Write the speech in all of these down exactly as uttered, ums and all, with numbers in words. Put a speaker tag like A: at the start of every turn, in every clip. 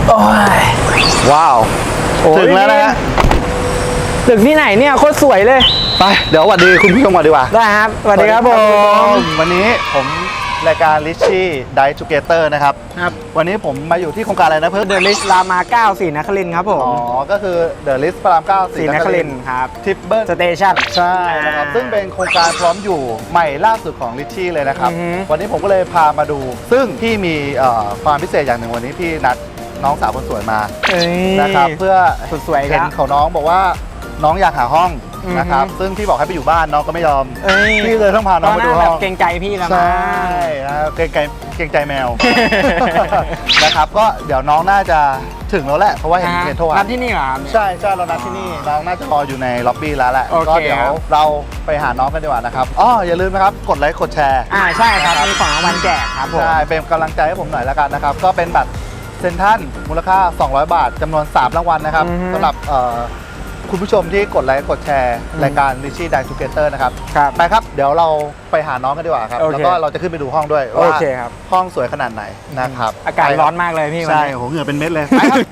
A: โอ้ยว้าวถึงแล้วนะฮะ
B: ตึกที่ไหนเนี่ยโคตรสวยเลย
A: ไปเดี๋ยวสวัสดีคุณผู้ชมก่อนดีกว่า
B: ได้ครับสวัสดีครับผม
A: วันนี้ผมรายการ Richie Dive Together นะครับครับวันนี้ผมมาอยู่ที่โครงการอะไรนะเพิ่ม
B: The List รามาเก้าศรีนครินทร์ครับผม
A: อ๋อก็คือ The List พระรามเก้าศรีนครินทร์
B: ครับ
A: ทิปเบิล
B: สเตชัน
A: ใช่นะครับซึ่งเป็นโครงการพร้อมอยู่ใหม่ล่าสุดของ Richie เลยนะครับวันนี้ผมก็เลยพามาดูซึ่งพี่มีความพิเศษอย่างหนึ่งวันนี้พี่นัดน้องสาวคนสวยมานะครับเพื่อ
B: สวย
A: เห็นเขาน้องบอกว่าน้องอยากหาห้องนะครับซึ่งพี่บอกให้ไปอยู่บ้านน้องก็ไม่ยอมพี่เลยต้องพาน้องไปดูห้อง
B: เกรงใจพี่แล้ว
A: ใช่นะเกรงใจเกรงใจแมวนะครับก็เดี๋ยวน้องน่าจะถึงแล้วแหละเพราะว่าเห็นเห็นโทร
B: นัดที่นี่เหรอ
A: ใช่ใช่เรานัดที่นี่น้องน่าจะรออยู่ในล็อบบี้แล้วแหละก็เดี๋ยวเราไปหาน้องกันดีกว่านะครับอ๋ออย่าลืมนะครับกดไลค์กดแชร์
B: อ่าใช่ครับมีของรางวัลแจกครับผม
A: ใช่เป็นกำลังใจให้ผมหน่อยแล้วกันนะครับก็เป็นบัตรเซ็นทรัลมูลค่าสองร้อยบาทจำนวนสามรางวัลนะครับสำหรับคุณผู้ชมที่กดไลค์กดแชร์รายการ Richie Dive Together นะครับไปครับเดี๋ยวเราไปหาน้องกันดีกว่าครับแล้วก็เราจะขึ้นไปดูห้องด้วยว่าห้องสวยขนาดไหนนะครับ
B: อากาศร้อนมากเลยพี่
A: ใช่โหเหงื่อเป็นเม็ดเลยไปครับ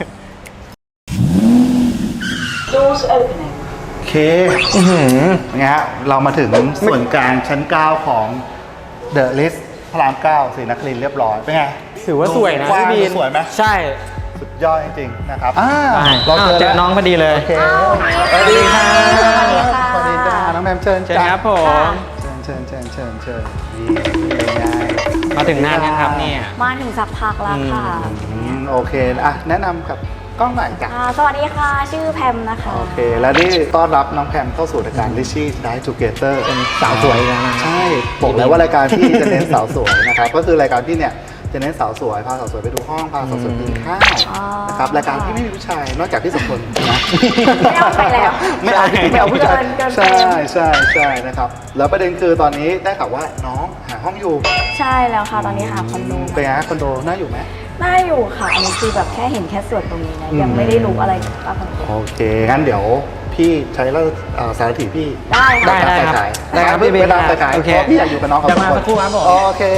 C: Doors opening
A: โอเคไงฮะเรามาถึงส่วนกลางชั้นเก้าของ The List พระรามเก้าศรีนครินทร์เรียบร้อยเป็นไง
B: ถือว่าสวยนะ
A: พี่บีนสวยไหม
B: ใช่
A: สุดยอดจริงๆนะครับ
B: เราเจอน้องพอดีเลย
A: โอเคสวัสดีค่ะสวัสดีค่ะน้องแมมเชิญ
B: เชิญครับผม
A: เชิญเชิญเชิญเชิญนี่เป็นไง
B: มาถึงนานยังครับเนี่ย
C: มาถึงสักพักแล้วค่ะ
A: โอเคอ่ะแนะนำกับกล้องหน่อยจ้ะ
C: สวัสดีค่ะชื่อแพมนะคะ
A: โอเคแล้วนี่ต้อนรับน้องแพมเข้าสู่รายการ Richie Dive Together
B: เป็นสาวสวยแล้วนะ
A: ใช่บอกแล้วว่ารายการที่จะเน้นสาวสวยนะครับก็คือรายการที่เนี่ยจะเน้นสาวสวยพาสาวสวยไปดูห้องพาสาวสวยกินข้าวนะครับรายการที่ไม่มีผู้ชายนอกจากพี่สมพลนะ
C: ไม่เอาไปแล้ว
A: ไม่เอาไม่เอาผู้ชายใช่ใช่ใช่นะครับแล้วประเด็นคือตอนนี้ได้ข่าวว่าน้องหาห้องอยู่
C: ใช่แล้วค่ะตอนนี้หาคอนโด
A: เป็นไงคอนโดน่าอยู่ไหม
C: น่าอยู่ค่ะอันนี้คือแบบแค่เห็นแค่ส่วนตรงนี้นะยังไม่ได้รู้อะไรกับคอนโด
A: โอเคงั้นเดี๋ยวพี่ใช้แล้วสารถีพี่
C: ได้
B: ได้ได้ครับ
A: ได้ครับพี่เบลล์ไปขายพี่อยากอยู่กับน้องเขา
B: จะมาสักครู่ครับผม
A: โอเค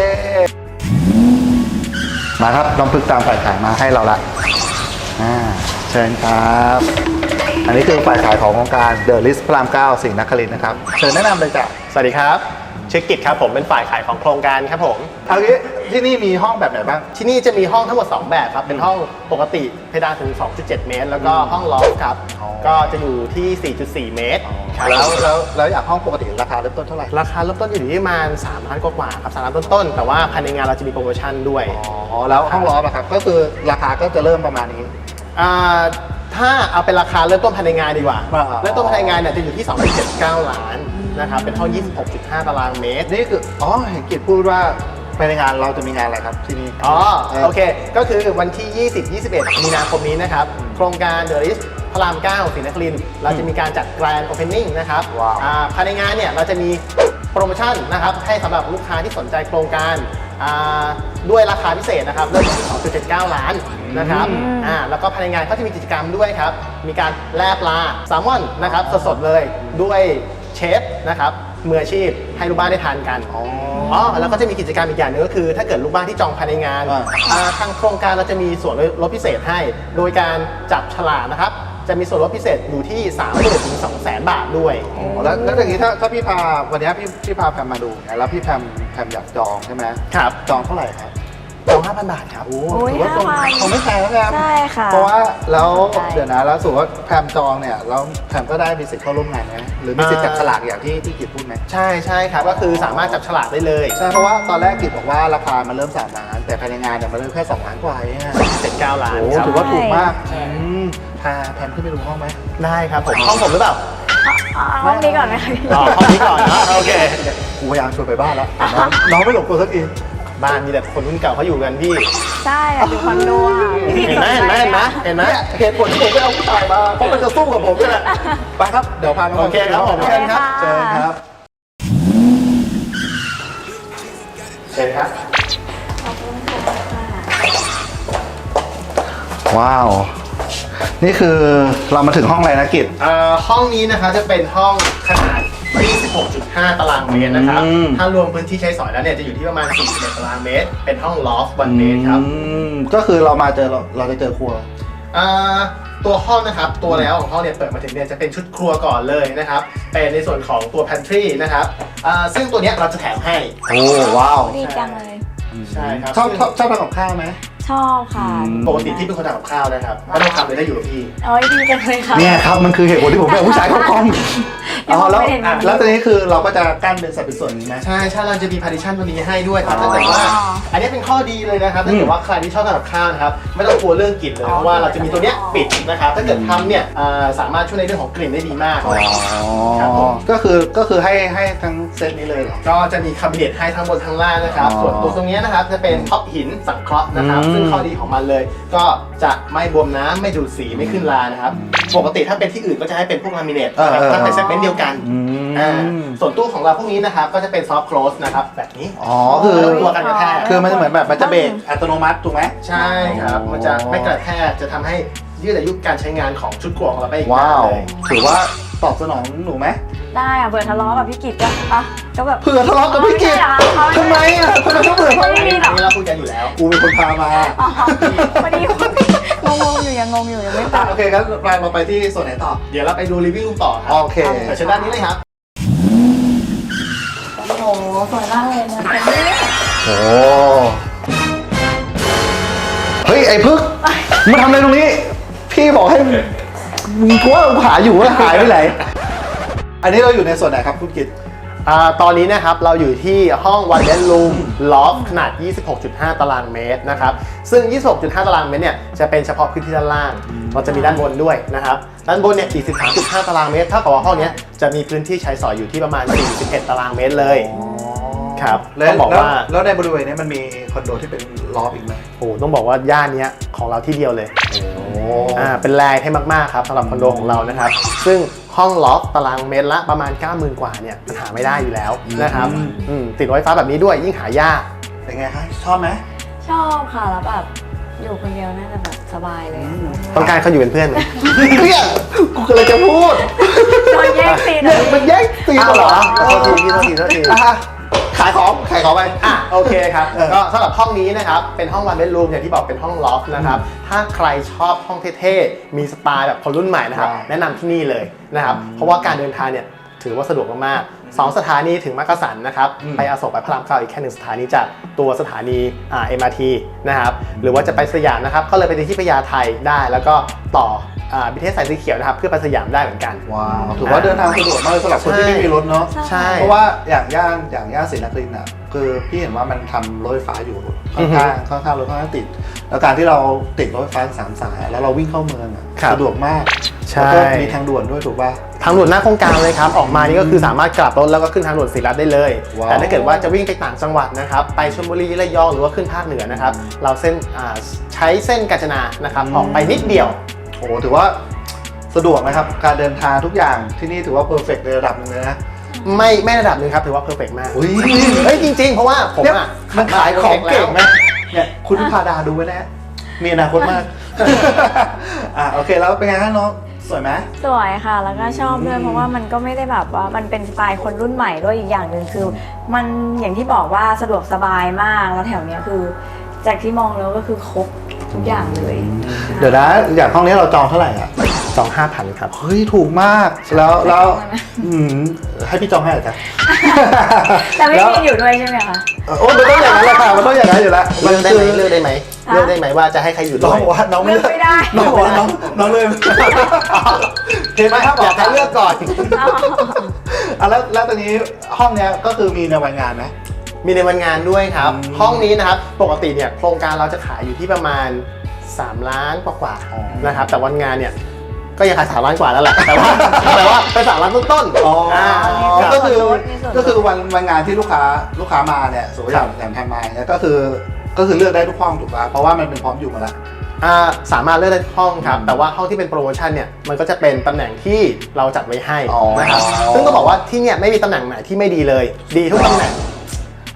A: มาครับน้องพึกตามฝ่ายขายมาให้เราละอ่าเชิญครับอันนี้คือฝ่ายขายของโครงการ The List พระรามเก้าศรีนครินทร์นะครับเชิญแนะนำเลยจ้ะ
D: สวัสดีครับชื่อกิจครับผมเป็นฝ่ายขายของโครงการครับผม
A: เอางี้ที่นี่มีห้องแบบไหนบ้าง
D: ที่นี่จะมีห้องทั้งหมดสองแบบครับเป็นห้องปกติเพดานถึง สองจุดเจ็ด เมตรแล้วก็ห้องล็อกครับก็จะอยู่ที่ สี่จุดสี่ เมตร
A: แล้วแล้วแล้วอยากห้องปกติราคาเริ่มต้นเท่าไหร่
D: ราคาเริ่มต้นอยู่ที่ประมาณสามล้านกว่าๆครับสามล้านต้นๆแต่ว่าภายในงานเราจะมีโปรโมชั่นด้วย
A: อ๋อแล้วห้องล็อกอะครับก็คือราคาก็จะเริ่มประมาณนี้
D: อ่าถ้าเอาเป็นราคาเริ่มต้นภายในงานดีกว่าเริ่มต้นภายในงานเนี่ยจะอยู่ที่ สองจุดเจ็ดเก้า ล้านนะครับเป็นห้อง ยี่สิบหกจุดห้า ตารางเมตร
A: นี่คืออ๋อเห็นกิจพูดว่าภายในงานเราจะมีงานอะไรครับที่นี่
D: อ๋อโอเคก็คือวันที่ ยี่สิบ ยี่สิบเอ็ด มีนาคมนี้นะครับโครงการ The List พระรามเก้าศรีนครินทร์เราจะมีการจัด Grand Opening นะครับภายในงานเนี่ยเราจะมีโปรโมชั่นนะครับให้สำหรับลูกค้าที่สนใจโครงการด้วยราคาพิเศษนะครับเริ่มที่ สองจุดเจ็ดเก้า ล้านนะครับอ่าแล้วก็ภายในงานก็จะมีกิจกรรมด้วยครับมีการแล่ปลาแซลมอนนะครับสดๆเลยด้วยเชฟนะครับมืออาชีพให้ลูกบ้านได้ทานกันอ๋อแล้วก็จะมีกิจกรรมอีกอย่างนึงก็คือถ้าเกิดลูกบ้านที่จองภายในงานทางโครงการเราจะมีส่วนลดพิเศษให้โดยการจับฉลากนะครับจะมีส่วนลดพิเศษอยู่ที่ สามหมื่น ถึง สองแสน บาทด้วย
A: อ๋อแล้วแล้วอย่างนี้ถ้าถ้าพี่พาวันนี้พี่พี่พาแพมมาดูแล้วพี่แพมแพมอยากจองใช่ไหม
D: ครับ
A: จองเท่าไหร่ครับ
D: จอง ห้าพัน บาทครับ
A: โอ้ถือว่าคงไม่แพงแล้วครับ
C: ใช่ค่ะ
A: เพราะว่าแล้วเดี๋ยวนะแล้วสมมติว่าแพมจองเนี่ยแล้วแพมก็ได้มีสิทธิ์เข้าร่วมงานไหมหรือมีสิทธิ์จับฉลากอย่างที่ที่กิจพูดไหม
D: ใช่ใช่ครับก็คือสามารถจับฉลากได้เลย
A: ใช่เพราะว่าตอนแรกกิจบอกว่าราคามันเริ่มสามล้านแต่ภายในงานเนี่ยมันเริ่มแค่สองล้านกว่าเอง
D: เจ็ดเก้าล้าน
A: โอ้ถือว่าถูกมากพาแพมขึ้นไปดูห้องไหม
D: ได้ครับผมห้องผมหรือเปล่า
C: ห้องนี้ก่อนไหมคะ
D: อ๋อห้องนี้ก่อนนะโอเค
A: กูพยายามชวนไปบ้านแล้วน้องไม่หลบตัวสักที
D: บ้านมีแต่คนรุ่นเก่าเขาอยู่กันพี่
C: ใช่อยู่คอนโด
D: เห็นไหมเห็นไหมเห็นไหมเห็นไหม
A: เหตุผลที่ผมไม่เอาผู้ชายมาเพราะมันจะสู้กับผมนี่แหละไปครับเดี๋ยวพาน้อง
D: โอเคครับผม
A: เชิญครับเชิญครับเชิญครับ
C: ขอบคุณค่ะ
A: ว้าวนี่คือเรามาถึงห้องอะไรนะกิจ
D: ห้องนี้นะคะจะเป็นห้องขนาดยี่สิบหกจุดห้า ตารางเมตรนะครับ
A: อืม
D: ถ้ารวมพื้นที่ใช้สอยแล้วเนี่ยจะอยู่ที่ประมาณสี่สิบเอ็ดตารางเมตร เป็นห้องลอฟต์วันเมตรครับ
A: อืมก็คือเรามาเจอเราเราจะเจอครัว
D: อ่าตัวห้องนะครับตัวแล้วของห้องเนี่ยเปิดมาถึงเนี่ยจะเป็นชุดครัวก่อนเลยนะครับเป็นในส่วนของตัว pantry นะครับอ่าซึ่งตัวเนี้ยเราจะแถมให้
A: โอ้ว้าว
C: ดีจังเลย
D: ใช่ครับ
A: ชอบชอบชอบทำกับข้าวไหม
C: ชอบค่ะ
D: ปกติที่เป็นคนทำกับข้าวนะครับไม่ต้องทำเลยได้อยู่กับพี่
C: โอ้ยดีจังเลยค่ะ
A: เนี่ยครับมันคือเหตุผลที่ผมเป็นผู้ชายเข้ากล้อง
C: ยัง
A: อ๋อแล้ว
C: ไม่เห็นแบบนี้
A: แล้วตอนนี้คือเราก็จะกั้นเป็นสัดเป็นส่วนนี้ไหม
D: ใช่ใช่เราจะมี partition ตัวนี้ให้ด้วยครับถ้าเกิดว่า
C: อ๋อ
D: อันนี้เป็นข้อดีเลยนะครับถ้าเกิ
A: อื
D: ด
A: ม
D: ว่าใครที่ชอบทำกับข้าวนะครับไม่ต้องกลัวเรื่องกลิ่นเลย
C: อ๋อ
D: เพราะว่าเราจะมีตัวเนี้ยปิดนะครับถ้าเกิดทำเนี่ยอ่าสามารถช่วยในเรื่องของกลิ่นได้ดีมาก
A: อ๋อ
D: ครับผม
A: ก็คือก็คือให้ให้ทั้งเซตนี้เลยเหรอ
D: ก็จะมีคาบิเนตให้ทั้งบนทั้งล่างนะครับ
A: อ๋อ
D: ส่วนตัวตรงนี้นะครับจะเป็นท็อปหินสังเคราะห์นะครับ
A: อืม
D: ซึ่งข้อดีของมันเลย ก็จะไม่บวมน้ำไม่ดูดสีไม่ขึ้นรานะครับ ปกติถ้าเป็นที่อื่นก็จะให้เป็นพวกลามิเนตนะครับถ้าเป็นเซกเมนต์เดียวกัน
A: อืม
D: อ่าส่วนตู้ของเราพวกนี้นะครับก็จะเป็นซอฟต์ close นะครับแบบนี้
A: อ๋อคือ
D: ตัวกันกระแทก
A: คือมันจะเหมือนแบบมันจะเบรกอัตโนมัติถูกไหม
D: ใช่ครับ มันจะไม่กระแทกจะทำให้ยืดอายุการใช้งานของชุดครัวของเราไปอีก
A: ว้าน
D: าน
A: ว
D: เลย
A: ถือว่าตอบสนองหนูไหม
C: ได้อะเผื่อทะเลาะกับพี่กิตก็อ่ะก็แบบ
A: เผื่อทะเลาะกับพี่กิต
C: อ๋อ
A: ทำไมอ่ะทำไมต้องเผื่อ
C: ไม่
D: อัน
C: มี
D: นี้
C: หรอก
D: เราคุยกันอยู่แล้ว
A: กูเป็นคนพามา
C: อ๋อพอดีงงๆอยู่ยังงงอยู่ยังไม่ต
A: อ่ะ
C: อบ
A: โอเคครับเราเราไปที่ส่วนไหนต่อ
D: เดี๋ยวเราไปดูรีวิวต่อครั
A: โอเค
D: เดี๋ยวเชิญด้านนี้เลยครับ
C: โอ้โหสวยมากเลยนะ
A: โอ้เฮ้ยไอ้พึกมาทำอะไรตรงนี้ พี่บอกให้มึงกูว่าหาอยู่ว่าหายไปไหน อันนี้เราอยู่ในส่วนไหนครับคุณกิต
D: อ่าตอนนี้นะครับเราอยู่ที่ห้อง one bedroom loft ขนาด ยี่สิบหกจุดห้า ตารางเมตรนะครับซึ่ง ยี่สิบหกจุดห้า ตารางเมตรเนี่ยจะเป็นเฉพาะพื้นที่ด้านล่าง เราจะมีด้านบนด้วยนะครับด้านบนเนี่ย สี่สิบสามจุดห้า ตารางเมตรเท่ากับว่าห้องเนี้ยจะมีพื้นที่ใช้สอยอยู่ที่ประมาณ สี่สิบเอ็ด ตารางเมตรเลยครับ
A: แล้ว
D: ต้องบอกว่า
A: แล้วในบริเวณนี้มันมีคอนโดที่เป็นลอฟอีกไหม
D: โอ้โหต้องบอกว่าย่านเนี้ยของเราที่เดียวเลย
A: โอ้
D: อ่าเป็นแรงให้มากๆครับสำหรับคอนโดของเรานะครับซึ่งห้องล็อกตารางเมตรละประมาณ เก้าหมื่น กว่าเนี่ยมันหาไม่ได้อยู่แล้วนะครับอืมติดไฟฟ้าแบบนี้ด้วยยิ่งหายาก
A: เป็นไงคะชอบไหม
C: ชอบค่ะแล้วแบบอยู่คนเดียวน่าจะแบบสบายเลยอะ
D: ต้องการเขาอยู่เป็นเพื่อนไหม
A: เนี่ยกูกำลังจะพูด
C: โดนแย่งซีน
A: เนี่ยมันแย่งซีน
D: อ้าวเหรอ
A: โทษทีพี่โทษทีโทษทีอ่ะขายของขายของไป
D: อ่ะโอเคครับ
A: เออ
D: ก็สำหรับห้องนี้นะครับเป็นห้อง one bedroom อย่างที่บอกเป็นห้องล็อกนะครับถ้าใครชอบห้องเท่ๆมีสไตล์แบบคนรุ่นใหม่นะครับ
A: ว้าว
D: แนะนำที่นี่เลยนะครับเพราะว่าการเดินทางเนี่ยถือว่าสะดวกมากๆสองสถานีถึงมักกะสันนะครับไปอโศกไปพระรามเก้าอีกแค่หนึ่งสถานีจากตัวสถานีอ่า เอ็ม อาร์ ที นะครับหรือว่าจะไปสยามนะครับก็เลยไปที่พญาไทได้แล้วก็ต่ออ่าบี ที เอส สายสีเขียวนะครับเพื่อไปสยามได้เหมือนกัน
A: ว้าวถือว่าเดินทางสะดวกมากเลยสำหรับคนที่ไม่มีรถเนาะ
D: ใช่
A: เพราะว่าอย่างย่านอย่างย่านศรีนครินทร์อ่ะคือพี่เห็นว่ามันทำรถไฟฟ้าอยู่ค่อนข้างค่อนข้างรถค่อนข้างติด แล้วการที่เราติดรถไฟฟ้าสามสายแล้วเราวิ่งเข้าเมืองอ่ะ
D: ครับ
A: สะดวกมาก
D: ใช่
A: แล้วก็มีทางด่วนด้วยถูกป่ะ
D: ทางด่วนหน้าโครงการเลยครับออกมานี่ก็คือสามารถกลับรถแล้วก็ขึ้นทางด่วนศรีรัตน์ได้เลย
A: ว้าว
D: แต่ถ้าเกิดว่าจะวิ่งไปต่างจังหวัดนะครับไปชลบุรีระยองหรือว่าขึ้นภาคเหนือนะครับเราเส้นอ่าใช้เส้นกาญจนานะครับออกไปนิดเดียว
A: โอ้โหถือว่าสะดวกนะครับการเดินทางทุกอย่างที่นี่ถือว่าเพอร์เฟกต์ในระดับหนึงเลยนะ
D: ไม่ไม่ระดับหนึงครับถือว่าเพอร์เฟกมาก
A: อุ้ย
D: เฮ้ยจริงๆ เพราะว่าผม
A: เนี่ย
D: อ่ะ
A: มันขายของเก่งไหม
D: แล้ว
A: เนี่ยคุณพิพาดาดูไว้นะมีอนาคตมาก อ่ะโอเคแล้วเป็นไงครับน้องสวยไหม
C: สวยค่ะแล้วก็ชอบด้วยเพราะว่ามันก็ไม่ได้แบบว่ามันเป็นสไตล์คนรุ่นใหม่ด้วยอีกอย่างหนึ่งคือ มันอย่างที่บอกว่าสะดวกสบายมากแล้วแถวเนี้ยคือ จากที่มองแล้วก็คือครบทุกอย่างเลย
A: เดี๋ยวนะอย่างห้องนี้เราจองเท่าไหร่อ่ะ
D: จองห้าพันครับ
A: เฮ้ยถูกมากแล้วแล้วอืมให้พี่จองให้เหรอจ๊ะ
C: แต่ไม่มีอยู่ด้วยใช่ไหมคะ
A: โอ้มันต้องอย่างนั้นแหละค่ะมันต้องอย่างนั้นอยู่แล้ว
D: เลือกได้ไหมเลือกได้ไหม
C: ฮะ
D: เลือกได้ไหมว่าจะให้ใครอยู่
A: น้
D: ด้
A: อ
D: ว
A: ง
D: ย
A: บอกว่าน้องไม่เลือก
C: เลือกไม่ได้
A: น้องบอกว่าน้องน้องเลยเห็นไหมครับ
D: อยากให้เลือกก่อน
C: อ๋อ
A: อ่ะแล้วแล้วตอนนี้ห้องเนี้ยก็คือมีในวันงานไหม
D: มีในวันงานด้วยครับ
A: อืม
D: ห้องนี้นะครับปกติเนี่ยโครงการเราจะขายอยู่ที่ประมาณสามล้านกว่า
A: อ๋อ
D: ๆนะครับแต่วันงานเนี่ยก็ยังขายสามล้านกว่าแล้วแหละแต่ว่าแต่ว่าเป็นสามล้านต้นๆ
A: อ๋ออา
D: ครับ
A: ก็คือ
C: มีส่วนลด
A: ก็คือวันวันงานที่ลูกค้าลูกค้ามาเนี่ยสมมติอย่างอย่างทำมาเนี่ยก็คือก็คือเลือกได้ทุกห้องถูกป่ะเพราะว่ามันเป็นพร้อมอยู่หมาแล้ว
D: อ่าสามารถเลือกได้ทุกห้องครับแต่ว่าห้องที่เป็นโปรโมชั่นเนี่ยมันก็จะเป็นตำแหน่งที่เราจัดไว้ให้
A: อ๋อ
D: นะครับซึ่งก็บอกว่าที่เนี่ยไม่มีตำแหน่งไหนที่ไม่ดีเลย ดีทุกตำแหน่ง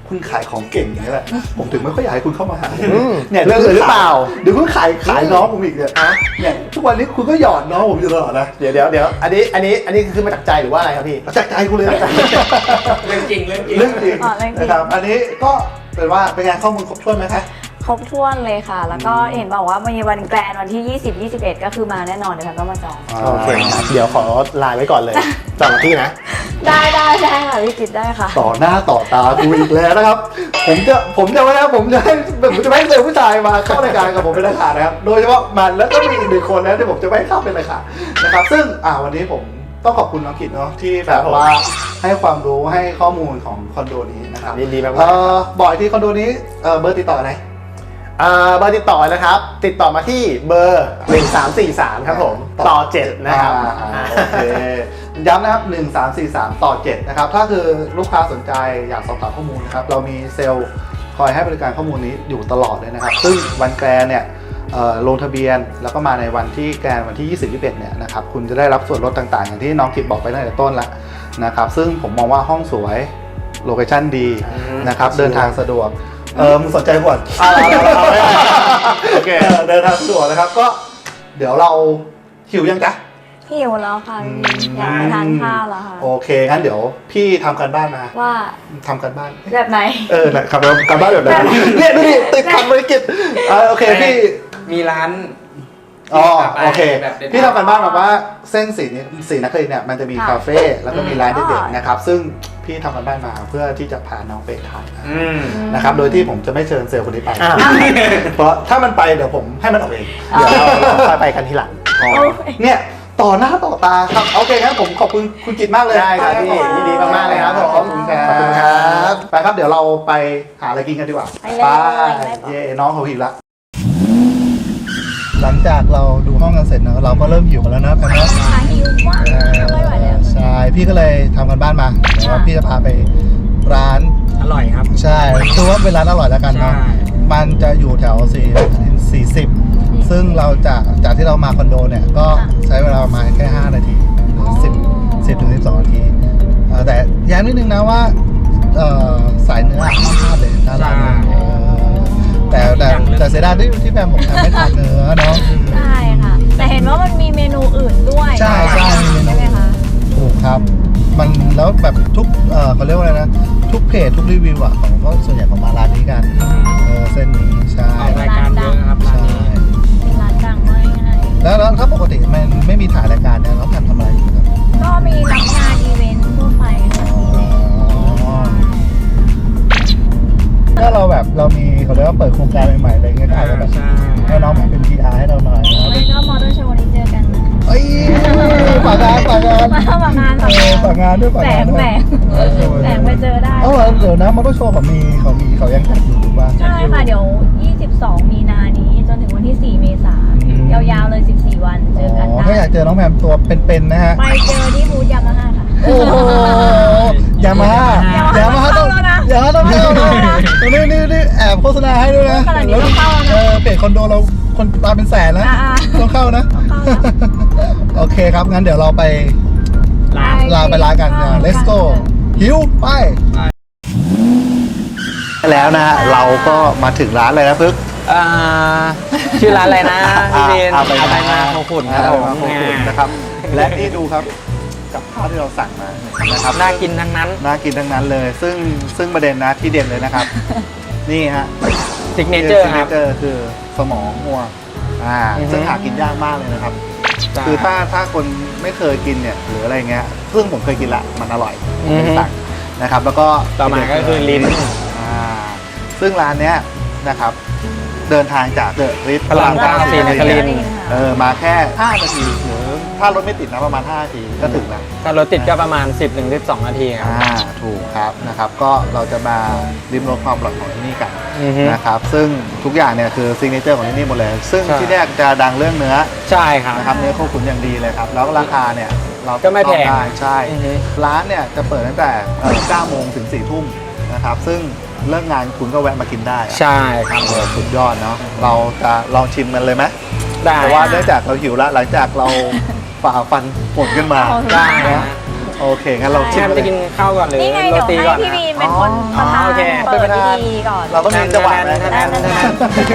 A: คุณขายของเก่งอย่างนี้แหละผมถึงไม่ค่อยอยากให้คุณเข้ามาหา
D: อืม
A: เนี่ย
D: เรื่องอื่นหรือเปล่า
A: เดี๋ยวคุณขายขายน้องผมอีกเนี่ยเนี่ยทุกวันนี้คุณก็หยอดน้องผมอยู่ตลอดนะ
D: เดี๋ยวเดี๋ยวเดี๋ยวอันนี้อันนี้อันนี้คือมาจากใจหรือว่าอะไรครับพี่
A: จากใจคุณเลยนะ
B: เรื่องจริงเรื่องจริง
A: เรื่องจริง
C: อ๋อเรื่องจริง
A: นะครับอันนี้ก็เป็นว่าเป็นไงข้อมูลครบถ้วนไหมคะ
C: ครบถ้วนเลยค่ะ แล้วก็เห็นบอกว่ามีวันแกรนด์วันที่ ยี่สิบ ยี่สิบเอ็ด ก็คือมาแน่นอนเดี๋ยวฉันก็มาจอง
D: โอเคครับเดี๋ยวขอไลน์ไว้ก่อนเลยจองกับพี่นะ
C: ได้ได้ได้ค่ะพี่กิตได้ค่ะ
A: ต่อหน้าต่อตากูอีกแล้วนะครับ ผมจะผมจะไม่นะผมจะให้ผมจะไม่ให้เจอผู้ชายมาเข้ารายการกับผมเป็นราคานะครับ โดยเฉพาะมันแล้วก็มีอีกหนึ่งคนนะที่ผมจะไม่ให้เข้าเป็นราคานะครับ ซึ่งอ่าวันนี้ผมต้องขอบคุณน้องกิตเนาะที่แบบว่าให้ความรู้ให้ข้อมูลของคอนโดนี้นะครับ
D: ยินดีมากๆ
A: เอ่อบอกอีกที่คอนโดนี้เอ่อเบอร์ติดต่อไหน
D: อ่าเบอร์ติดต่อนะครับ ติดต่อมาที่เบอร์หนึ่งสามสี่สามครับผมต่อเจ็ดนะครับ
A: อ่าโอเคย้ำนะครับหนึ่งสามสี่สามต่อเจ็ดนะครับถ้าคือลูกค้าสนใจอยากสอบถามข้อมูลนะครับเรามีเซลล์คอยให้บริการข้อมูลนี้อยู่ตลอดเลยนะครับซึ่งวันแกรนเนี่ยเอ่อลงทะเบียนแล้วก็มาในวันที่แกรนวันที่ ยี่สิบ ยี่สิบเอ็ดเนี่ยนะครับคุณจะได้รับส่วนลดต่างๆ อย่างที่น้องกิตบอกไปตั้งแต่ต้นแล้วนะครับซึ่งผมมองว่าห้องสวยโลเคชั่นดีนะครับเดินทางสะดวกเออมึงสนใจก่อน
D: เอาเอาเอาเอา
A: โอเคเออเดินทางสะดวกนะครับก็เดี๋ยวเราหิวยังจ๊ะ
C: หิวแล้วค่ะพี่อยากไปทานข้าวแล้วค่ะ
A: โอเคงั้นเดี๋ยวพี่ทำการบ้านมา
C: ว่า
A: ทำการบ้าน
C: แบบไหน
A: เออนะครับแล้วการบ้านแบบไหนเนี่ยดูดิติดขัดภารกิจเออโอเคพี่
B: มีร้าน
A: อ๋อโอเค
B: แบบเด็ดๆ
A: พี่ทำการบ้านมาว่าเส้นสีนี้สีนักเรียนเนี่ยมันจะมี
C: ค่ะ
A: คาเฟ่แล้วก็มีร้าน
C: อืม
A: เด็กๆนะครับซึ่งพี่ทำการบ้านมาเพื่อที่จะพาน้องไปทาน
B: อืม
A: นะครับโดยที่ผมจะไม่เชิญเซลล์คนนี้ไป
D: อ่า
A: เพราะถ้ามันไปเดี๋ยวผมให้มันออกเอง
D: เดี๋ยวเราเราค่อยไปกันทีหลัง
A: อ๋อเนี่ยต่อหน้าต่อตาครับโอเคงั้นผมขอบคุณคุณจิตมากเลย
D: ได้ครับพี่ยินดีมากๆเลยครับผม
A: ขอบคุณครับ
D: ขอบคุณครับ
A: ไปครับเดี๋ยวเราไปหาอะไรกินกันดีกว่า
C: ไปเลยไป
A: เย่น้องเขาหิวละหลังจากเราดูห้องกันเสร็จนะเราก็เริ่มหิวกันแล้วนะแพมนะ
C: ขาหิวมากไม่ไหวแล้ว
A: ใช่พี่ก็เลยทำกันบ้านมาแล้วพี่จะพาไปร้าน
B: อร่อยครับ
A: ใช่คือว่าเป็นร้านอร่อยแล้วกันเนาะ
B: ใช่
A: มันจะอยู่แถวสี่สี่สิบซึ่งเราจากจากที่เรามาคอนโดเนี่ยก็ใช้เวลาประมาณแค่ห้านาทีหรือสิบสิบถึงสิบสองนาทีเอ่อแต่ย้ำนิดนึงนะว่าเอ่อสายเนื้อห้ามพลาดเลยน่ารักเลยเออแต่แต่แต่เสียดายที่ที่แฟนผมทำไม่ทานเนื้อเนาะ
C: ใช่ค่ะ แต่เห็นว่ามันมีเมนูอื่นด้วย
A: ใช่ใช่มีเมนู
C: ใช่ไหมคะ
A: ถูกครับ มันแล้วแบบทุกเอ่อเขาเรียกว่าอะไรนะ ทุกเพจทุกรีวิวอ่ะของก็ส่วนใหญ่ของมาร้านนี้กันเออเส้นนี้ใช่
B: ออกรายการเยอะครับร้าน
A: ใช่
B: นี้
C: เป็นร้านดังมากง่าย
A: แล้วแล้วถ้าปกติมันไม่มีถ่ายรายการเนี่ยเราทำทำอะไรอยู่ครับ
C: ก็มีรับงานอีเวนต์ทั่วไปค่ะมีเลย
A: ถ้าเราแบบเรามีเขาเรียกว่าเปิดโครงการใหม่ๆอะไรเงี้ยก็อาจจะแบบ
B: ใช่
A: ให้น้องมาเป็น พี อาร์ ให้เราหน่อยนะ
C: ไม่ก็มอเตอร์โชว์นี้เจอกันนะคะ
A: เอ้ยฝากงานฝากงาน
C: มาฝากงาน
A: เออฝากงานด้วยฝาก
C: แฝ
A: งาน
C: ง
A: ด้วย
C: แฝงแฝงไปเจอได้
A: เอ้าเดี๋ยวนะมอเตอร์โชว์เขามีเขามีเขายังจัดอยู่หรือเปล่า
C: ใช่ค่ะ เดี๋ยว ยี่สิบสอง มีนานี้จนถึงวันที่ สี่ เมษายน
A: อืม
C: ยาวๆเลย สิบสี่ วันเจอกัน
A: อ๋อ
C: ได้
A: ถ้าอยากเจอน้องแพมตัวเป็นๆนะฮะ
C: ไปเจอที่บูธยามาฮ่าค่ะ
A: โอ้โหยามาฮ่ายามาฮ่าต้อง
C: เข้าแล้วนะ
A: ยามาฮ่าต้องเข้านะตรงนี้นี่นี่แอบโฆษณาให้ด้วยนะ
C: ขนาดนี้ต้องเข้าแล้วนะ
A: เออเพจคอนโดเราคนตามเป็นแสนแล้ว
C: อ่าๆ
A: ต้องเข้านะ
C: ต้องเข้าแล้ว
A: โอเคครับ งั้นเดี๋ยวเราไป
B: ร้าน
A: ลาไปร้านกันนะ let's go หิวไป แล้วนะฮะเราก็มาถึงร้านเลยนะพึก
B: อ่าชื่อร้านอะไรนะพี่เบน
A: อาไป
B: อาไปมาโคขุนครับผม
A: อาไปมาโคขุนนะครับ และนี่ดูครับกับข้าวที่เราสั่งมานะครับ
B: น่ากินทั้งนั้น
A: น่ากินทั้งนั้นเลย ซึ่งซึ่งประเด็นนะที่เด่นเลยนะครับ นี่ฮะ
B: ซิกเนเจอร์ครับ
A: เจอร์คือสมองงัวอ่า
B: อือฮึ
A: ซึ่งหากินยากมากเลยนะครับ
B: ใช่
A: คือถ้าถ้าคนไม่เคยกินเนี่ยหรืออะไรเงี้ยซึ่งผมเคยกินละมันอร่อยผม
B: อือ
A: เลย
B: ฮึ
A: สั่งนะครับ แล้วก็
B: ต่อมาก็คือลิ้น
A: อ่าซึ่งร้านเนี้ยนะครับ เดินทางจากเดอะริท
B: พระรามเก้าศรีนครินทร์
A: เออมาแค่ห้านาทีหรือถ้ารถไม่ติดนะประมาณห้านาทีก็ถึงแล้ว
B: ถ้ารถติดก็ประมาณ สิบถึงสิบสอง นาทีครับ
A: อ่าถูกครับนะครับก็เราจะมาริมรสความอร่อยของที่นี่กัน
B: อือฮึ
A: นะครับซึ่งทุกอย่างเนี่ยคือซิกเนเจอร์ของที่นี่หมดเลย ซึ่ง
B: ใช่
A: ที่เนี่ยจะดังเรื่องเนื้อ
B: ใช่ครับ
A: นะครับเนื้อโคขุนอย่างดีเลยครับแล้วราคาเนี่ยเรา
B: ก็ไม่แพง
A: ได้ใช่
B: อือฮึ
A: ร้านเนี่ยจะเปิดตั้งแต่เอ่อเก้าโมงถึงสี่ทุ่มนะครับซึ่งเลิกงานคุณก็แวะมากินได้อะ
B: ใช่ครับ
A: โอ้สุดยอดเนาะเราจะลองชิมกันเลยไหม
B: ได้
A: แต่ว่าเนื่องจากเราหิวแล้วหลังจากเราฝ่าฟันฝนขึ้นมา
C: เอา
B: ได้
A: นะ
B: นะ
A: เโอเคงั้นเรา
B: แช
A: ชิม
B: มป์
A: เล
B: จะ
A: ย
B: กินข้าวก่อนหรือ
C: นี่ไง
B: โร
C: เดี๋ยว
B: ตี
C: ให้
B: ก่อน
C: พี่
B: นะ
C: บีนเป็นคน
B: อ๋
C: ประ
B: อ
C: ธาน
B: โอเค
C: เปิดพิธีก่อน
A: เราต้องมีจังหวะไหม
B: แทน
C: นั่นนั่น
B: แท
C: นั่
B: น
C: น
B: แทน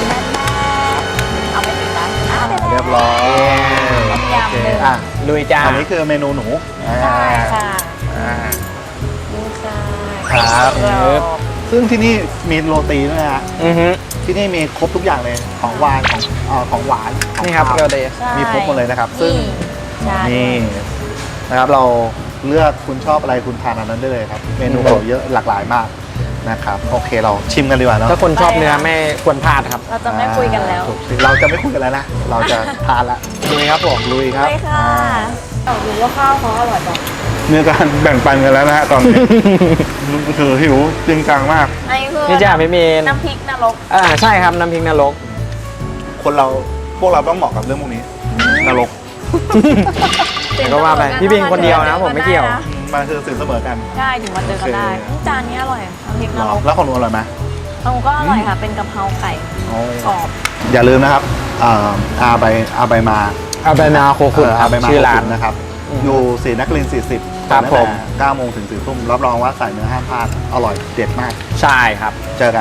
C: เอาไปติดร้านอ่ะ
A: เรียบร้อย
C: ยำหนึ่ง
A: อ่ะ
B: ลุยจ้า
A: อันนี้คือเมนูหนูอ่า
C: ได้ค่ะ
A: อ่า
C: นี่ค่ะ
A: ครับ
C: กรอบ
A: ซึ่งที่นี่มีโรตีด้วยนะฮะ
B: อือฮึ
A: ที่นี่มีครบทุกอย่างเลยของหวานของเอ่อของหวานของ
B: นี่ครับ
A: ข้าว
B: โรตี
C: ใช่
A: มีครบหมดเลยนะครับ ซึ่ง
C: ใช่
A: นี่นะครับเราเลือกคุณชอบอะไรคุณทานอันนั้นได้เลยครับ เมนูเขาเยอะหลากหลายมากนะครับ โอเคเราชิมกันดีกว่าเนาะ
B: ถ้าคนชอบเนื้อไม่ควรพลาดครับ
C: เราจะไม่คุยกันแล้ว
A: ถูกสิเราจะไม่คุยกันแล้วนะ เราจะทานละลุยครับผมลุยครับ
C: เลยค่ะเราดูว่าข้าวเขาอร่อยจัง
A: มีการแบ่งปันกันแล้วนะฮะตอนนี้ คือหิวจริงจังมาก
C: อันนี้คือ
B: นี่จ้าพี่เมน
C: น้ำพริกนรก
B: อ่าใช่ครับน้ำพริกนรก
A: คนเราพวกเราต้องเหมาะกับเรื่องพวกนี้นรก
B: แต่ก็ว่าไปพี่บินคนเดียวนะผมไม่เกี่ยว
A: มันคือสิ่งเสมอกัน
C: ใช่ถึงมาเจอกันได้
A: โอเค
C: จานนี้อร่อยน้ำพริกน
A: หร
C: ร
A: อก แล้วของหนูอร่อยไหม
C: ของหนูก็อร่อยค่ะ เป็นกะเพราไก่กรอบ
A: อย่าลืมนะครับอ่าอาใบอาใบมา
B: เอาไปนาโคคุ
A: เอออาใบมา
B: ชื่อร้าน
A: นะครับ
B: อืม
A: อยู่ศรีนครินทร์สี่สิบ
B: ครับผม
A: เก้าโมงถึงสี่ทุ่มรับรองว่าใส่เนื้อห้ามพลาดอร่อยเด็ดมาก
B: ใช่ครับ
A: เจอกัน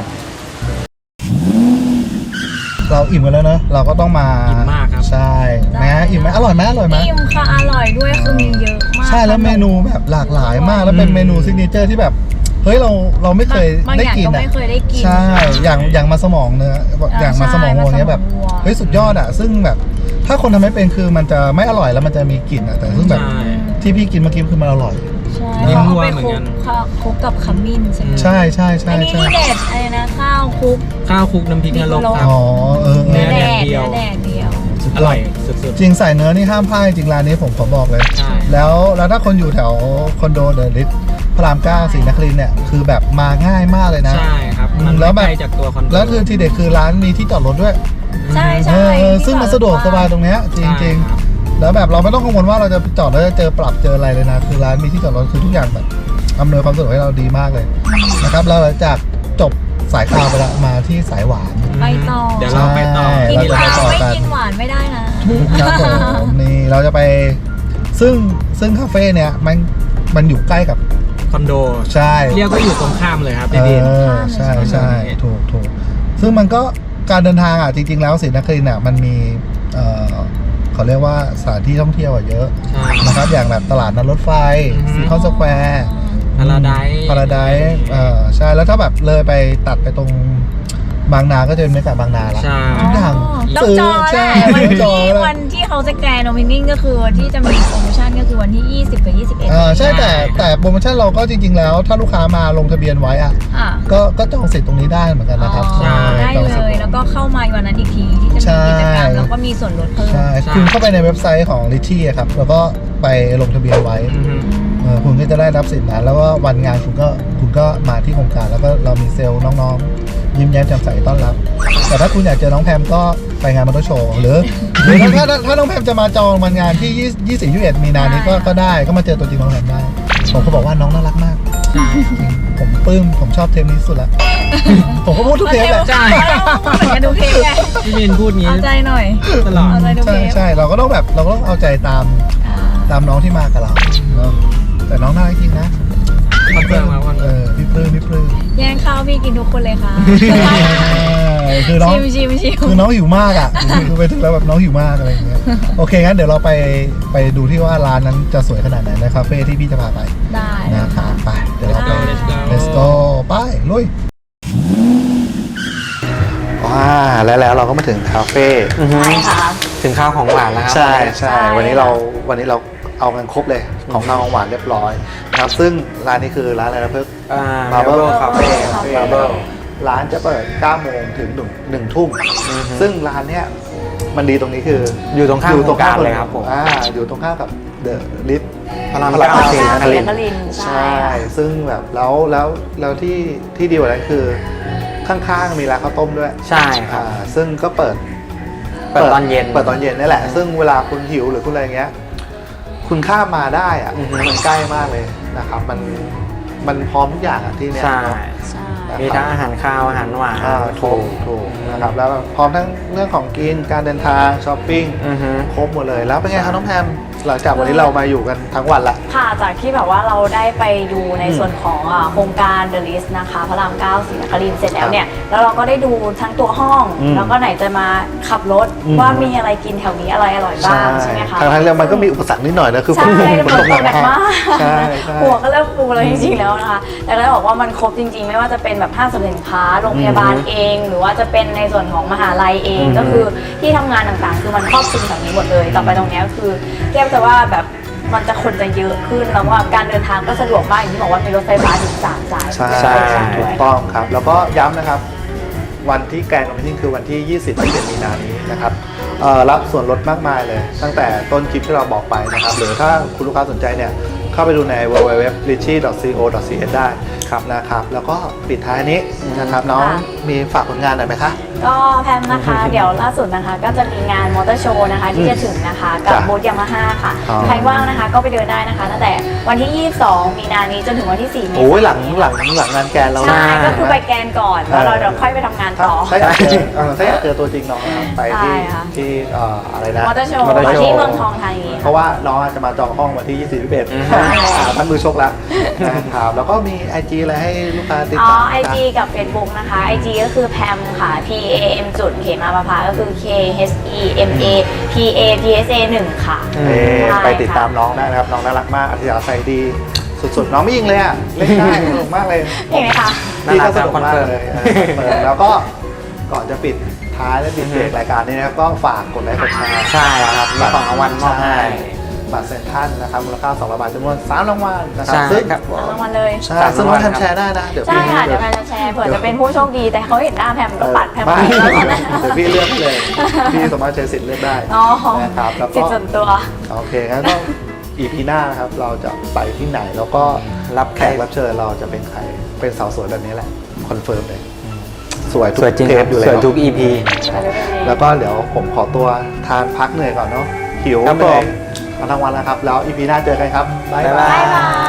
A: เราอิ่มกันแล้วเนอะเราก็ต้องมา
B: อิ่มมากครับ
A: ใช่นะอิ่มไหมอร่อยไหมอร่อยไหม
C: อิ่มค่ะอร่อยด้วยคือมีเยอะมาก
A: ใช่แล้วเมนูแบบหลากหลายมากแล้วเป็น
B: อืม
A: เมนูซิกเนเจอร์ที่แบบเฮ้ยเราเราไม่เคย
C: บาง
A: ได้
C: อย่าง
A: กิน
C: ก็
A: อ่ะ
C: ไม่เคยได้กิน
A: ใช่อย่างอย่างมาสมองเนื้ออย่างมาสมองวัวเนี้ยแบบ
C: ใช่มาสมองวัว
A: เฮ้ยสุดยอดอ่ะซึ่งแบบถ้าคนทำไม่เป็นคือมันจะไม่อร่อยแล้วมันจะมีกลิ่นอ่ะแต่ซึ่งแบบ
B: ใช่
A: ที่พี่กินเมื่อกี้คือมันอร่อย
C: ใช่
B: นี่
C: เขา
B: มั่ว
C: เอาไป
B: เหมือ
C: คน ลุ
B: กัน
C: กข้าวคลุกกับขมิ้นใช่ไหม
A: ใช่ใช่ใช่
C: อันนี้
A: ใช่
C: ที่เด็ดอะไรนะข้าวคลุก
B: ข้าวคลุกน้ำพริกนรกครับ
A: อ๋อเออเอ
B: เนื้
A: อ
B: อ
C: แด
B: แด
C: ด
B: ดเดียว
C: เนื้อแดดเดียว
B: อร่อยสุด
A: จริงใส่เนื้อนี่ห้ามพลาดจริงร้านนี้ผมขอบอกเลย
B: ใช่
A: แล้วแล้วถ้าคนอยู่แถวคอนโดเดอะลิทพระรามเก้าศรีนครินทร์เนี่ยคือแบบมาง่ายมากเลย
B: ๆ
A: นะ
B: ใช่ครับ มัน
A: แล้ว
B: ไม่
A: แบบ
B: ไกลจากตัวคอนโด
A: แล้วคือทีเด็ดคือร้านมีที่จอดรถด้วย
C: ใช่
A: เอ
C: ใช่
A: อเออซึ่งมันสะดวกสบายตรงเนี้ยจริงจริงๆ
B: ใช่ครับ
A: แล้วแบบเราไม่ต้องกังวลว่าเราจะจอดแล้วจะเจอปรับเจออะไรเลยนะ คือร้านมีที่จอดรถคือทุกอย่างแบบอำนวยความสะดวกให้เราดีมากเลยนะครับแล้วหลังจากจบสายคาวไปแล้วมาที่สายหวาน
C: ไปต่อ
B: เดี๋ยวเราไปต่อ
C: กิน
A: เราจะ
C: ข้าว
A: ไปต่อ
C: ไม่
A: กัน
C: กินหวานไม่ได้นะ
A: ครับผมนี่เราจะไปซึ่งซึ่งคาเฟ่เนี่ยมันมันอยู่ใกล้กับ
B: คอนโด
A: ใช่
B: เรียกว่าอยู่ตรงข้ามเลยครับ
A: เอ
B: พี่บิน
A: อใช่ใช่ถูกถูกซึ่งมันก็การเดินทางอ่ะจริง ๆ แล้วศรีนครินทร์อ่ะมันมีเออเขาเรียกว่าสถานที่ท่องเที่ยวอ่ะเยอะ
B: ใช่
A: นะครับอย่างแบบตลาดนัดรถไฟ
B: อือฮึ
A: ซีคอนสแควร์
B: พาราไดซ์
A: พาราไดซ์เออใช่แล้วถ้าแบบเลยไปตัดไปตรงบางนาก็จะเป็นบรรยากาศบางนาละ
B: ใช่
A: ทุกอย่าง
C: ต้องจอง
A: ใช่
C: แหละวัน
A: จอ
C: ที่
A: งแล้ว
C: วันที่เขาจะแกรนด์โอเพนนิ่งก็คือวันที่จะมีโปรโมชั่นก็คือวันที่ ยี่สิบ กับ ยี่สิบเอ็ด
A: เออใช่แต่แต่โปรโมชั่นเราก็จริง ๆ แล้ว ถ้าลูกค้ามาลงทะเบียนไว้อ่ะ
C: อ่ะ
A: ก็ก็จองสิทธิ์ตรงนี้ได้เหมือนกันนะครับ
C: อ๋อได้
A: จอง
C: เล
A: สิทธิ์
C: ย แล้วก็เข้ามาวันนั้นอีกทีที่จะ
A: ใช่
C: มีกิจกรรมแล้วก็มีส่วนลดเพิ่ม
A: ใช่คุณเข้าไปในเว็บไซต์ของ Litchi อะครับแล้วก็ไปลงทะเบียนไว้
B: อือฮึ
A: เออคุณก็จะได้รับสิทธิ์นั้นแล้วก็วันงานคุณก็คุณก็มาที่โครงการแล้วก็เรามีเซลล์น้องๆ ยิ้มแย้มแจ่มใสต้อนรับ แต่ถ้าคุณอยากเจอน้องแพมก็ไปงานมอเตอร์โชว์หรือหรือถ้าถ้าถ้าน้องแพมจะมาจองวันงานที่ยี่สิบ ยี่สิบเอ็ดมีนานี้ก็ก็ได้ก็มาเจอตัวจริงน้องแพมได้ผมก็บอกว่าน้องน่ารักมาก
B: ใช่ครับ
A: ผมปลื้มผมชอบเทปนี้สุดละ ผมก็พูดทุกเทปแหละ
C: ใช่เหมือนกันดูเทปไง
B: พี่บินพูดงี้
C: เอาใจหน่อย
B: ตลอด
C: เอาใจดู
A: ใช่
C: เทป
A: ใช่เราก็ต้องแบบเราก็ต้องเอาใจตาม
C: อ่า
A: ตามน้องที่มากับเราเนอะแต่น้องน่ารักจริงนะ
B: คอนเฟิร์มครับคอน
A: เอ
B: เฟิร์ม
A: อพี่ปลื้มพี่ปลื้ม
C: แย่งข้าวพี่กินทุกคนเลยค่ะ
A: คือน้อง
C: ชิมชิมชิม
A: คือน้องหิวมากอ่ะ คือไปถึงแล้วแบบน้องหิวมากอะไรอย่างเงี้ย โอเคงั้นเดี๋ยวเราไปไปดูที่ว่าร้านนั้นจะสวยขนาดไหนในคาเฟ่ที่พี่จะพาไป
C: ได้
A: นะครับไปเดี๋ยวเราไป
B: Let's go
A: let's go ไปลุยว้าแล้วแล้วเราก็มาถึงคาเฟ่
B: อือฮึ
C: ใช่ค่ะ
B: ถึงข้าวของหวานแล้วครับ
A: ใช่ใช่
C: ใช่
A: วันนี้เราวันนี้เราเอากันครบเลยของข้าวของหวานเรียบร้อยนะครับซึ่งร้านนี้คือร้านอะไรนะเพิ่ง
B: อ่า
A: Marble
B: Marble
A: Cafe
B: Cafe
A: Marble ร้านจะเปิดเก้าโมงถึงหนึ่งทุ่ม
B: อือฮึ
A: ซึ่งร้านเนี้ยมันดีตรงนี้คือ
B: อ
A: อยู่
B: ตรงข้ามโครงการเลยครับผม
A: อ่าอยู่ตรงข้ามกับเดอะลิฟ
B: พระราม
A: พระราม
B: เก้า
A: เก้า
B: ศรีนครินทร์
C: นครินทร์ใช่
A: ใช่ ซึ่งแบบแล้วแล้วแล้วที่ที่ดีกว่านั้นคือข้างๆมีร้านข้าวต้มด้วย
B: ใช่ครับ
A: อ่าซึ่งก็เปิด
B: เปิดตอนเย็น
A: เปิดตอนเย็นนี่แหละ ซึ่งเวลาคุณหิวหรือคุณอะไรเงี้ย คุณข้ามมาได้อะ
B: อือฮึ
A: มันใกล้มากเลยนะครับ มันมันพร้อมทุกอย่างอะที่เนี้ย
B: ใช่
A: เนอะ
C: ใช่
B: มีทั้งอาหารข้าวอาหารหวาน
A: อ่าถูกถูกนะครับ แล้วพร้อมทั้งเรื่องของกิน การเดินทางช้อปปิ้ง
B: อือฮึ
A: ครบหมดเลย แล้วเป็นไงครับน้องแพมหลังจากวันนี้เรามาอยู่กันทั้งวันละ
C: ค่ะจากที่แบบว่าเราได้ไปดูในส่วนของอ่าโครงการ The List นะคะพระรามเก้าศรีนครินทร์เสร็จแล้วเนี่ยแล้วเราก็ได้ดูทั้งตัวห้อง
A: อืม
C: แล้วก็ไหนจะมาขับรถ
A: อืม
C: ว่ามีอะไรกินแถวนี้อะไรอร่อยบ้างใช่ไหมคะ
A: ทางทางเรือมันก็มีอุปสรรคนิดหน่อยนะคือ
C: ใช่
A: ฝ
C: ฝน
A: ต
C: ตกหนักมาก
A: ใช่ใช่
C: หัวก็เริ่มฟูแล้วจริงๆแล้วนะคะ แต่ก็ได้บอกว่ามันครบจริงๆ ไม่ว่าจะเป็นแบบห้างสรรพสินค้า โรงพยาบาลเอง หรือว่าจะเป็นในส่วนของมหาลัยเอง
A: อืม
C: ก็คือที่ทำงานต่างๆ คือมันครอบคลุมแบบนี้หมดเลย ต่อไปตรงเนี้ยคือเทียบจะว่าแบบมันจะคนจะเยอะขึ้น แล้วว่าการเดินทางก็สะดวกมากอย่างที่บอกว่ามีรถไฟฟ้าถึงสามสาย
A: ใช่
B: ใช่
A: ถูกต้องครับ แล้วก็ย้ำนะครับ วันที่แกรนด์โอเพนนิ่งคือวันที่ ยี่สิบ ยี่สิบเอ็ด มีนานี้นะครับเอ่อรับส่วนลดมากมายเลย ตั้งแต่ต้นคลิปที่เราบอกไปนะครับ หรือถ้าคุณลูกค้าสนใจเนี่ย เข้าไปดูใน ดับเบิลยู ดับเบิลยู ดับเบิลยู ดอท richie ดอท ซี โอ ดอท ซี เอส ได้ครับนะครับ แล้วก็ปิดท้ายนี้นะครับ น้องมีฝากผลงานหน่อยไหมคะ
C: ก็แพมนะคะ เดี๋ยวล่าสุดนะคะ ก็จะมีงานมอเตอร์โชว์นะคะที่จะถึงนะคะ กับ
A: จ้ะ
C: บูธยามาฮ่าค่ะ
A: อ๋อ
C: ใครว่างนะคะก็ไปเดินได้นะคะ ตั้งแต่วันที่ ยี่สิบสอง มีนานี้จนถึงวันที่ สี่ เมษายน
A: โอ้ยหลังหลังหลังงานแกรนด์เรา
C: ใช่
A: นะ
C: ก็คือไปแกนก่อน แล้วเราเดี๋ยวค่อยไปทำงาน
A: ถ้า
C: ต่อ
A: ถ้าอยากเจอเออถ้าอยากเจอตัวจริงน้องนะครับไปที่
C: ใช่ค่ะ
A: ที่เอ่ออะไรนะ
C: มอเตอร์โชว์
A: มอเตอร์โชว์
C: ที่เมืองทองธานี
A: เพราะว่าน้องอาจจะมาจองห้องวันที่ ยี่สิบ ยี่สิบเอ็ด
B: อืม
A: อ่าท่านมือชกแล้วนะครับแล้วก็มี ไอ จี อะไรให้ลูกค้าติด
C: อ๋อ
A: ตาม
C: ไอจีกับ Facebook นะคะ ไอจีก็คือแพมค่ะ P A M จุดเขมาประภาก็คือ K H E M A P A P S A หนึ่งค่ะ
A: เอ่อ
C: ใช่
A: ไปติดตามน้องได้นะครับ น้องน่ารักมาก อัธยาศัยดี สุดๆ น้องไม่ยิงเลยอ่ะ เล่นได้สนุกมากเลย
C: เห็นไหมคะ
A: พี่ก็สนุก
B: คอน
A: มาก
B: เฟิร์ม
A: เลยเออคอนเฟิร์มแล้วก็ก่อนจะปิดท้ายและปิดเบรกรายการนี้นะครับ ก็ฝากกดไลค์กดแชร์
B: ใช่ครับมีของรางวัลมอบให้
A: ช่บัตรเซ็นทรัลนะครับมูลค่าสองร้อยบาทจำนวนสามรางวัลนะครับ
B: ใช่
A: ซึ่ง
B: ครับ
C: รางวัลเลย
A: ใช่ซึ่งน้องแทมแชร์ได้นะ เดี๋ยว
C: ใช่
A: พี่
C: ค่ะ เดี๋ยวแพมจะแชร์เผื่อจะเป็นผู้โชคดี แต่เขาเห็นหน้าแพมก็ปัดแพม
A: ไม่
C: ไปแล้วนะ
A: เดี๋ยวพี่เลือกให้เลย พี่สามารถใช้สิทธิ์เลือกได้
C: อ๋อ
A: นะครับแล้ว
C: สิท
A: ก็
C: ธิ์ส่วนตัว
A: โอเคงั้นก็ อี พี หน้านะครับ เราจะไปที่ไหน แล้วก็
B: รับ
A: แขกรับเชิญเราจะเป็นใคร เป็นสาวสวยแบบนี้แหละ คอนเฟิร์มเลย สวยทุก
B: สวยจริง
A: เท
B: ครั
A: ป
B: บ
A: อยู่
B: ส
A: แล้ว
B: วยทุก อี พี
A: แล้วก็เดี๋ยวผมขอตัวทานพักเหนื่อยก่อนเนาะหิว
B: ครับ
A: เหนื่อย
B: ผม
A: มาทั้งวันแล้วครับ แล้ว อี พี หน้าเจอกันครับบ๊าย
B: บ๊าย
A: บา
B: บาย
C: บ๊ายบาย